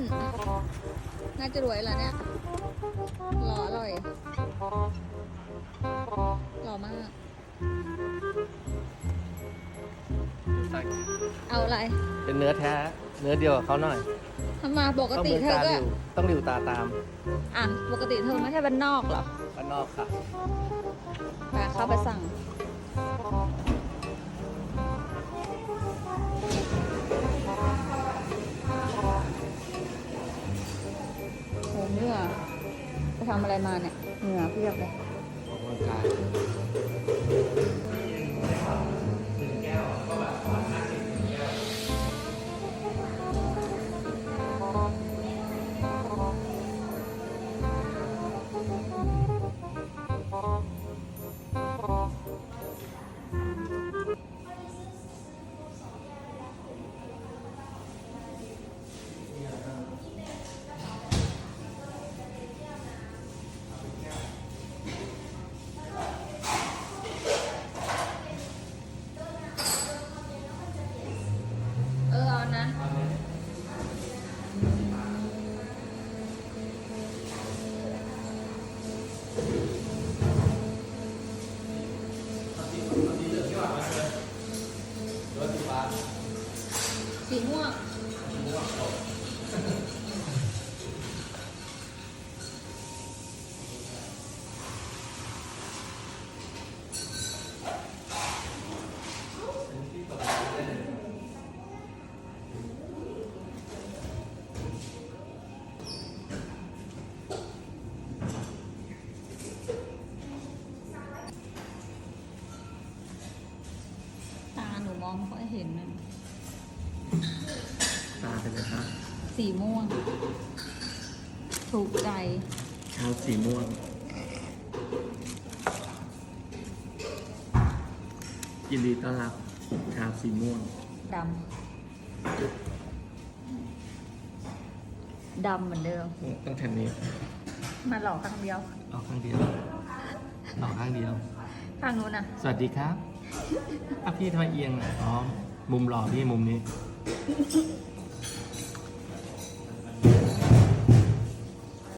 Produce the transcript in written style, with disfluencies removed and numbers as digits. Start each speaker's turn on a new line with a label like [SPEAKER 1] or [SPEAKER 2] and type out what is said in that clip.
[SPEAKER 1] น่าจะรวยแล้วเนี่ยหล่ออร่อยหล่อมาก เอาอะไร
[SPEAKER 2] เป็นเนื้อแท้เนื้อเดียวกับเขาหน่อย
[SPEAKER 1] ทำมาปกติเธอก็
[SPEAKER 2] ต้องหลิวตาตาม
[SPEAKER 1] อ่ะปกติเธอไม่ใช่บ้านนอกเหรอ
[SPEAKER 2] บ้านนอกค่ะ
[SPEAKER 1] ไปเข้าไปสั่งโหเหงื่อไปทำอะไรมาเนี่ยเหงื่อเพียบเลย
[SPEAKER 2] ออกกำลังกาย
[SPEAKER 1] เอานะสีม่วงตาหนูมองไม่ค่อยเห็นนะ
[SPEAKER 2] ตาเป็นไงครับ
[SPEAKER 1] สีม่วง ถูกใจ
[SPEAKER 2] ชาวสีม่วงยินดีต้อนรับชาวสีม่วง
[SPEAKER 1] ดำ ดำเหมือนเดิม
[SPEAKER 2] ต้องแทนนี้
[SPEAKER 1] มาหลอกข้างเดียว
[SPEAKER 2] เอาข้างเดียวเอาข้างเดียว
[SPEAKER 1] ข้างนู้นนะ
[SPEAKER 2] สวัสดีครับพี่ทำไมเอียงอ่ะอ๋อมุมหล่อพี่มุมนี้